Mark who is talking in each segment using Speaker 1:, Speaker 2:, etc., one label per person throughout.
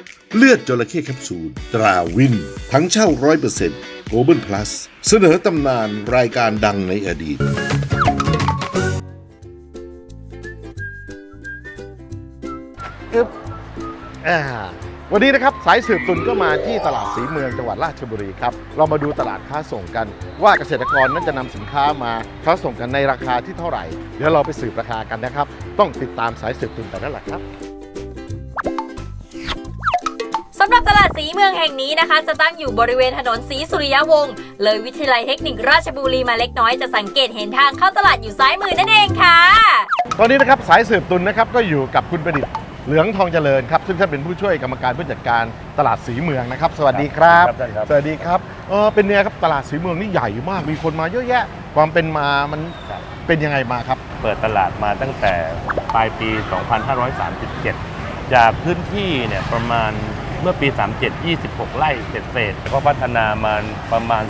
Speaker 1: เลือดจระเข้แคปซูลตราวินทั้งเช่า 100% Global Plus เสนอตำนานรายการดังในอดีต
Speaker 2: วันนี้นะครับสายสืบตุนก็มาที่ตลาดศรีเมืองจังหวัดราชบุรีครับเรามาดูตลาดค้าส่งกันว่าเกษตรกรนั้นจะนำสินค้ามาค้าส่งกันในราคาที่เท่าไหร่เดี๋ยวเราไปสืบราคากันนะครับต้องติดตามสายสืบตุนแต่นั่นแหละครับ
Speaker 3: สำหรับตลาดศรีเมืองแห่งนี้นะคะจะตั้งอยู่บริเวณถนนศรีสุริยวงศ์เลยวิทยาลัยเทคนิคราชบุรีมาเล็กน้อยจะสังเกตเห็นทางเข้าตลาดอยู่ซ้ายมือนั่นเองค่ะ
Speaker 2: ตอนนี้นะครับสายสืบตุนนะครับก็อยู่กับคุณประดิษฐ์เหลืองทองเจริญครับซึ่งท่านเป็นผู้ช่วยกรรมการผู้จัดการตลาดศรีเมืองนะครับสวัสดีครับสวัสดีครับเป็นไงครับตลาดศรีเมืองนี่ใหญ่มากมีคนมาเยอะแยะความเป็นมามันเป็นยังไงมาครับ
Speaker 4: เปิดตลาดมาตั้งแต่ปลายปี 2537 จากพื้นที่เนี่ยประมาณเมื่อปี 37 26 ไร่เศษๆก็พัฒนามาประมาณ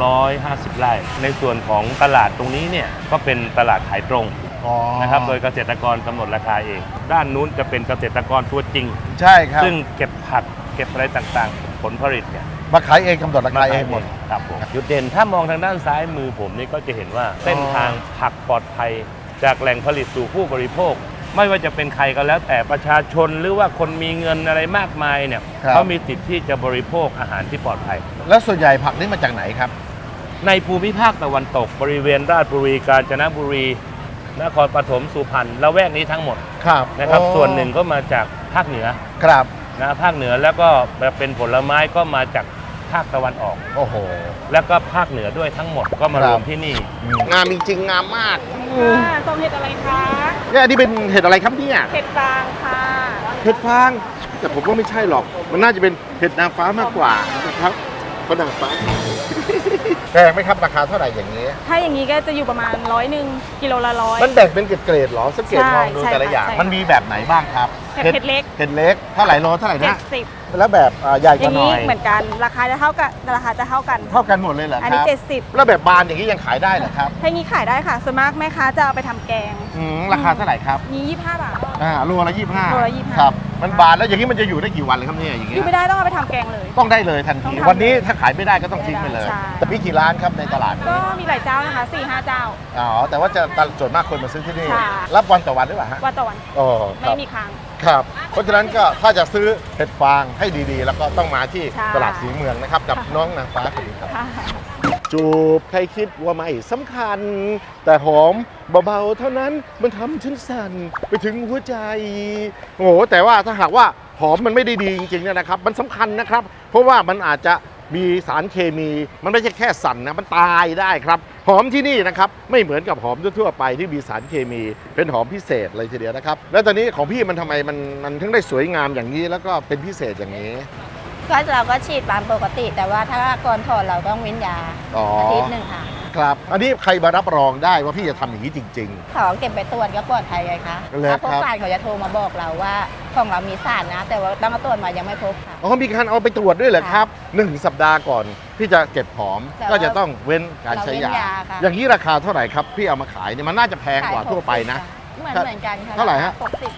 Speaker 4: 250 ไร่ในส่วนของตลาดตรงนี้เนี่ยก็เป็นตลาดขายตรงนะครับโดยเกษตรกรกำหนดราคาเองด้านนู้นจะเป็นเกษตรกรตัวจริง
Speaker 2: ใช่ครับ
Speaker 4: ซึ่งเก็บผักเก็บอะไรต่างๆผลผลิตเนี่ย
Speaker 2: มาขายเองกำหนดราคาเองหมด
Speaker 4: ครับผมจุดเด่นถ้ามองทางด้านซ้ายมือผมนี่ก็จะเห็นว่าเส้นทางผักปลอดภัยจากแหล่งผลิตสู่ผู้บริโภคไม่ว่าจะเป็นใครก็แล้วแต่ประชาชนหรือว่าคนมีเงินอะไรมากมายเนี่ยเขามีสิทธิ์ที่จะบริโภคอาหารที่ปลอดภัย
Speaker 2: แล้วส่วนใหญ่ผักนี่มาจากไหนครับ
Speaker 4: ในภูมิภาคตะวันตกบริเวณราชบุรีกาญจนบุรีนครปฐมสุพรรณละแวกนี้ทั้งหมดนะครับส่วนหนึ่งก็มาจากภาคเหนือ
Speaker 2: ครับ
Speaker 4: นะภาคเหนือแล้วก็เป็นผลไม้ก็มาจากภาคตะวันออก
Speaker 2: โอ้โห
Speaker 4: แล้วก็ภาคเหนือด้วยทั้งหมดก็มารวมที่นี่
Speaker 2: งามจริงๆงามมาก
Speaker 5: ส่งเห็ดอะไรคะ
Speaker 2: เนี่ยอันนี้เป็นเห็ดอะไรครับเนี่ย
Speaker 5: เห็ดฟางค่ะ
Speaker 2: เห็ดฟางแต่ผมว่าไม่ใช่หรอกมันน่าจะเป็นเห็ดนางฟ้ามากกว่านะครับเพราะนางฟ้าแพงไหมครับราคาเท่าไหร่อย่างนี้
Speaker 5: ถ้าอย่างนี้ก็จะอยู่ประมาณ100กิโลละ100
Speaker 2: มันแบ่งเป็นเกรดๆหรอสังเกตมองดูแต่ละอย่างมันมีแบบไหนบ้างครับ
Speaker 5: เห็ดเล็ก
Speaker 2: เห็ดเล็กเท่าไหร่โลเท่าไหร่นะ
Speaker 5: 70
Speaker 2: แล้วแบบใหญ่กว่าหน่อย
Speaker 5: เหมือนกันราคาจะเท่ากัน
Speaker 2: เท่ากันหมดเลยเหรอครับ
Speaker 5: อันนี้70
Speaker 2: แล้วแบบบานอย่างนี้ยังขายได้เหรอครับ
Speaker 5: ถ้างี้ขายได้ค่ะส่วนมากแม่ค้าจะเอาไปทำแกง
Speaker 2: ราคาเท่าไหร่ครับ
Speaker 5: นี้25 บาท
Speaker 2: โลละ25ครับมันบานแล้วอย่างนี้มันจะอยู่ได้กี่วันเลยครับเนี่ยอย่างนี้
Speaker 5: อยู่ไม่ได้ต้องเอาไปทำแกงเลย
Speaker 2: ต้องได้เลยทันทีวันนี้ถ้าขายไม่ได้ก็ต้องทิ้งไปเลยแต่พี่กี่ร้านครับในตลาด
Speaker 5: ก็มีหลายเจ้านะคะ4-5 เจ้า
Speaker 2: แต่ว่าจะส่วนมากคนมาซื้อที่นี่รับวันต่อวันหรือเปล่าฮะ
Speaker 5: วันต่อวันไม่มีค้าง
Speaker 2: ครับเพราะฉะนั้นก็ถ้าจะซื้อเห็ดฟางให้ดีๆแล้วก็ต้องมาที่ตลาดศรีเมืองนะครับกับน้องนางฟ้าคนนี้ครับจูบใครคิดว่าไม่สำคัญแต่หอมเบาๆเท่านั้นมันทำฉันสั่นไปถึงหัวใจโอ้โหแต่ว่าถ้าหากว่าหอมมันไม่ได้ดีจริงๆนะครับมันสำคัญนะครับเพราะว่ามันอาจจะมีสารเคมีมันไม่ใช่แค่สั่นนะมันตายได้ครับหอมที่นี่นะครับไม่เหมือนกับหอมทั่วไปที่มีสารเคมีเป็นหอมพิเศษเลยทีเดียวนะครับแล้วตอนนี้ของพี่มันทำไมมันถึงได้สวยงามอย่างนี้แล้วก็เป็นพิเศษอย่างนี้
Speaker 6: ก็เราก็ฉีดตามปกติแต่ว่าถ้าก่อนถอดเราต้องเว้นยาอาทิตย์หนึ่งค่ะ
Speaker 2: ครับอันนี้ใครมารับรองได้ว่าพี่จะทำอย่างนี้จริง
Speaker 6: ๆเขาเก็บไปตรวจก็ปลอดภัยไงคะถ้าพบสารเขาจะโทรมาบอกเราว่าของเรามีสารนะแต่ว่าตั้งแต่ตรวจมายังไม่พบค่ะ
Speaker 2: มีการเอาไปตรวจด้วยเหรอครับ1 สัปดาห์ก่อนพี่จะเก็บหอมก็จะต้องเว้นการใช้ยาอย่างนี้ราคาเท่าไหร่ครับพี่เอามาขายเนี่ยมันน่าจะแพงกว่าทั่วไปนะ
Speaker 6: เหมือนกันค่ะ
Speaker 2: เท่าไหร่ฮะ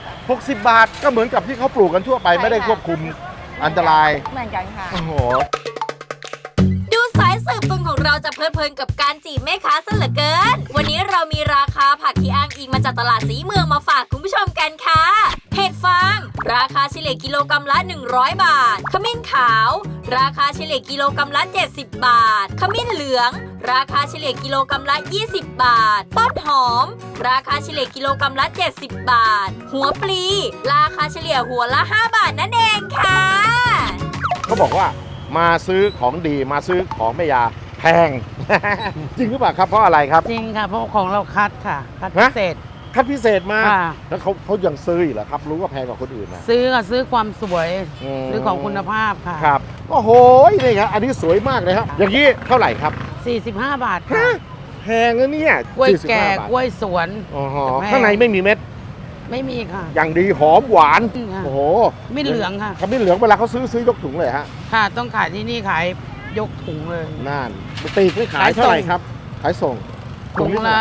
Speaker 2: 60 บาทก็เหมือนกับที่เขาปลูกกันทั่วไปไม่ได้ควบคุมอันตราย
Speaker 6: เหมือนกันค่ะ
Speaker 2: โอ้โห
Speaker 3: ดูสายสืบตุนของเราจะเพลิดเพลินกับการจีบแม่ค้าซะเหลือเกินวันนี้เรามีราคาผักที่อ้างอิงมาจากตลาดศรีเมืองมาฝากคุณผู้ชมกันค่ะเห็ดฟางราคาเฉลี่ยกิโลกรัมละ100 บาทขมิ้นขาวราคาเฉลี่ยกิโลกรัมละ70 บาทขมิ้นเหลืองราคาเฉลี่ยกิโลกรัมละ20 บาทต้นหอมราคาเฉลี่ยกิโลกรัมละ70 บาทหัวปลีราคาเฉลี่ยหัวละ5 บาทนั่นเองค่ะ
Speaker 2: เขาบอกว่ามาซื้อของดีมาซื้อของแม่ยาแพง จริงหรือเปล่าครับเพราะอะไรครับ
Speaker 7: จริงค่ะเพราะของเราคัดค่ะคัดพิเศษ
Speaker 2: คัดพิเศษมาแล้วเขายังซื้ออีกเหรอครับรู้ว่าแพงกว่าคนอื่นนะ
Speaker 7: ซื้อความสวยซื้อของคุณภาพค่ะ
Speaker 2: ครับโอ้โหนี่ครับอันนี้สวยมากเลยครับอย่างนี้เท่าไหร่ครับ
Speaker 7: 45 บาทค่ะ
Speaker 2: แพงนะเนี่ย
Speaker 7: กล้วยแก่กล้วยสวน
Speaker 2: ข้างในไม่มีเม็ด
Speaker 7: ไม่มีค่ะ
Speaker 2: อย่างดีหอมหวานโอ้โห
Speaker 7: มิ้นเหลืองค่ะ
Speaker 2: ขมิ้นเหลืองเวลาเขาซื้อยกถุงเลยฮะ
Speaker 7: ค่ะต้องขายที่นี่ขายยกถุงเลย
Speaker 2: นั่นตีไม่ขายเท่าไหร่ครับขายส่ง
Speaker 7: ถุงละ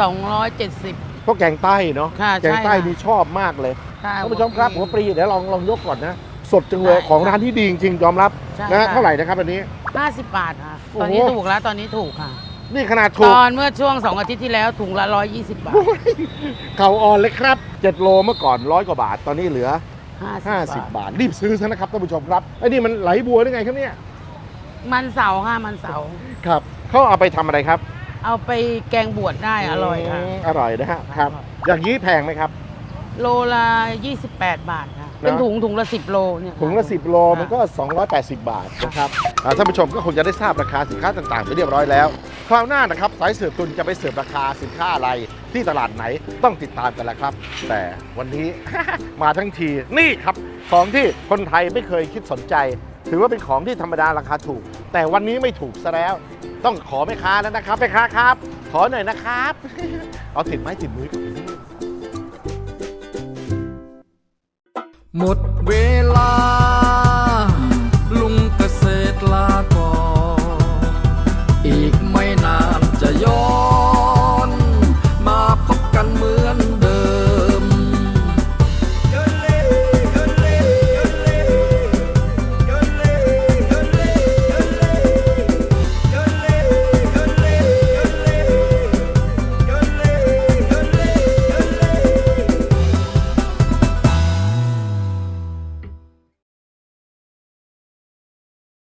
Speaker 7: 270
Speaker 2: พวกแกงใต้เนาะแกงใต้นี่ชอบมากเลย
Speaker 7: ท่าน
Speaker 2: ผู้ชมครับหัวปลีเดี๋ยวลองยกก่อนนะสดจังเลย
Speaker 7: ใช่
Speaker 2: ของร้านที่ดีจริงๆยอมรับ
Speaker 7: ใช่
Speaker 2: นะฮะ
Speaker 7: ค่ะ
Speaker 2: เท่าไหร่นะครับอันนี้
Speaker 7: 50 บาทค่ะ
Speaker 2: โอ้โห
Speaker 7: ตอนนี้ถูกแล้ว ตอนนี้ถูกค่ะ
Speaker 2: นี่ขนาด
Speaker 7: ต
Speaker 2: ถูก
Speaker 7: อนเมื่อช่วง 2 อาทิตย์ที่แล้วถุงละ 120 บาท
Speaker 2: เข่าอ่อนเลยครับ7โลเมื่อก่อน100 กว่าบาท ตอนนี้เหลือ
Speaker 7: 50
Speaker 2: 50 บาทรีบซื้อซะนะครับท่านผู้ชมครับไอ้นี่มันไหลบัวได้ไงครับเนี่ย
Speaker 7: มันเสาร์ค่ะ มันเสาร์
Speaker 2: ครับเขาเอาไปทำอะไรครับ
Speaker 7: เอาไปแกงบวชได้อร่อยค่ะ
Speaker 2: อร่อยนะฮะครับ อย่างนี้แพงไหมครับ
Speaker 7: โลละ28 บาทค่ะ เป็นถุงละ 10 โลเนี่ย
Speaker 2: ถุงละ10 โลมันก็ 280 บาทนะครับท่านผู้ชมก็คงจะได้ทราบราคาสินค้าต่างๆไปเรียบร้อยแล้ว คราวหน้านะครับสายสืบตุนจะไปเสิร์ฟราคาสินค้าอะไรที่ตลาดไหนต้องติดตามกันแล้วครับ แต่วันนี้ มาทั้งทีนี่ครับของที่คนไทยไม่เคยคิดสนใจ ถือว่าเป็นของที่ธรรมดาราคาถูก แต่วันนี้ไม่ถูกซะแล้ว ต้องขอแม่ค้าแล้วนะครับแม่ค้าครับ ขอหน่อยนะครับ เอาติดไม้ติดมือกับผม
Speaker 8: หมดเวลา